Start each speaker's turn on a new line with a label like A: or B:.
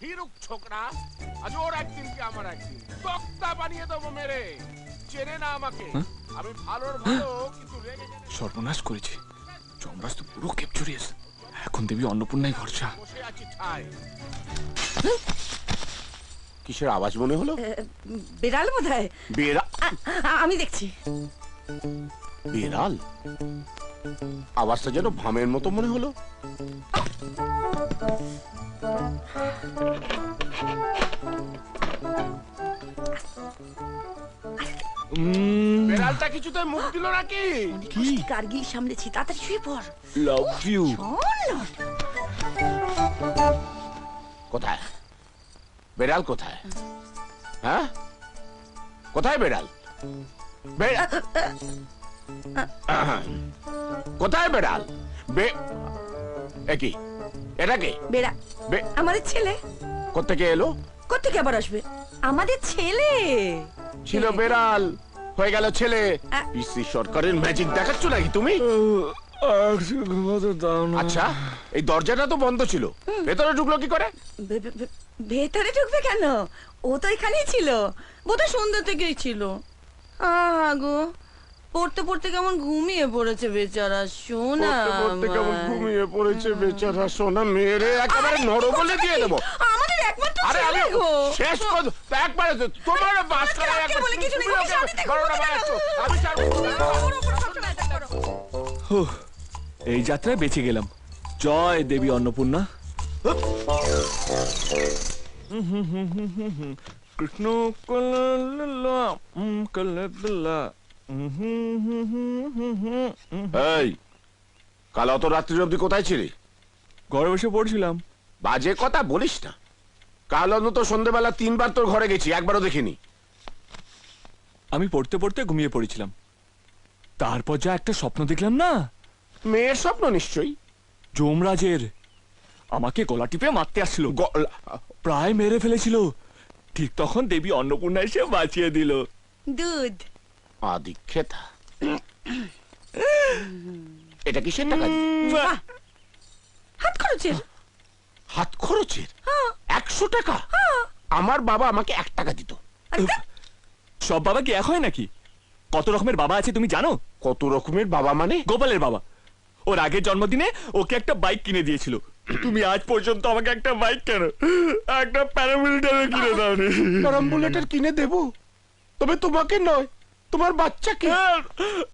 A: ভীরুক ছোকরা, আজ ওর একদিন কি আমার একদিন তক্তা বানিয়ে দেবো মেরে। চেনে না আমাকে, আমি ভালোর ভালো কিন্তু রেগে গেলে
B: সর্বনাশ করেছি। যমরাজ তো পুরো ক্যাপচুরিয়াস। এখন দেবী অন্নপূর্ণাই ভরসা।
A: বসে আছি ঠায়। কিসের আওয়াজ মনে হলো?
C: বিড়াল বোধহয়। আমি দেখছি।
A: বিড়াল? আওয়াজটা যেন ভামের মতো মনে হলো। বিড়ালটা কিছুতে মুখ দিল নাকি?
C: কি কার্গিল সামলেছি, তাড়াতাড়ি শুয়ে পড়।
B: Love you.
A: কোথায় বেড়াল? কোথায়? হ্যাঁ, কোথায় বেড়াল? কোথায় বেড়াল? একই এটা কে?
C: বেড়া আমাদের ছেলে।
A: কোত্থেকে এলো?
C: কোত্থেকে আবার আসবে? আমাদের ছেলে
A: ছিল বেড়াল, হয়ে গেল ছেলে। পিসি সরকারের ম্যাজিক দেখাচ্ছ নাকি তুমি? আচ্ছা, এই দরজাটা তো বন্ধ ছিল, ভেতরে ঢুকলো কি করে?
C: ভেতরে ঢুকবে কেন? ও তো এখানেই ছিল, বোধহয় সন্ধ্যা থেকেই ছিল। গো, পড়তে পড়তে কেমন ঘুমিয়ে পড়েছে বেচারা সোনা।
A: পড়তে কেমন ঘুমিয়ে পড়েছে বেচারা সোনা। মেরে একেবারে নরবলে দিয়ে দেবো।
C: আমাদের একমাত্র
A: আরে আমি
C: ছেলে গো।
A: শেষ করব একবারে। তোমার বাস করা
C: আজকে বলে কিছু নেই, আমি শান্তিতে ঘুমোতে দেবো।
A: আমি ছাড়বো না।
B: এই যাত্রায় বেঁচে গেলাম। জয় দেবী অন্নপূর্ণা। কৃষ্ণ
A: এই, কাল অত রাত্রি অবধি কোথায় ছিলি?
B: ঘরে বসে পড়ছিলাম।
A: বাজে কথা বলিস না। কাল অন্তত সন্ধ্যেবেলা 3 বার তোর ঘরে গেছি, একবারও দেখিনি।
B: আমি পড়তে পড়তে ঘুমিয়ে পড়েছিলাম, তারপর যা একটা স্বপ্ন দেখলাম না।
A: মেয়ের স্বপ্ন নিশ্চয়ই।
B: যমরাজের আমাকে গলা টিপে মারতে আসছিল, প্রায় মেরে ফেলেছিল। ঠিক তখন দেবী অন্নপূর্ণা এসে বাঁচিয়ে দিল।
C: দুধ
A: আদিক্ষেতা। এটা কিসের টাকা?
C: হাত খরচের।
A: হাত খরচের 100 টাকা? আমার বাবা আমাকে 1 টাকা দিত।
B: সব বাবা কি এক হয় নাকি? কত রকমের বাবা আছে তুমি জানো?
A: কত রকমের বাবা মানে?
B: গোপালের বাবা ওর আগের জন্মদিনে ওকে একটা বাইক কিনে দিয়েছিল। তুমি আজ পর্যন্ত আমাকে একটা বাইক কেন, একটা প্যারামিলিটারি কিনে দাওনি।
A: প্যারাম্বুলেটর কিনে দেবো, তবে তোমাকে নয়, তোমার বাচ্চাকে।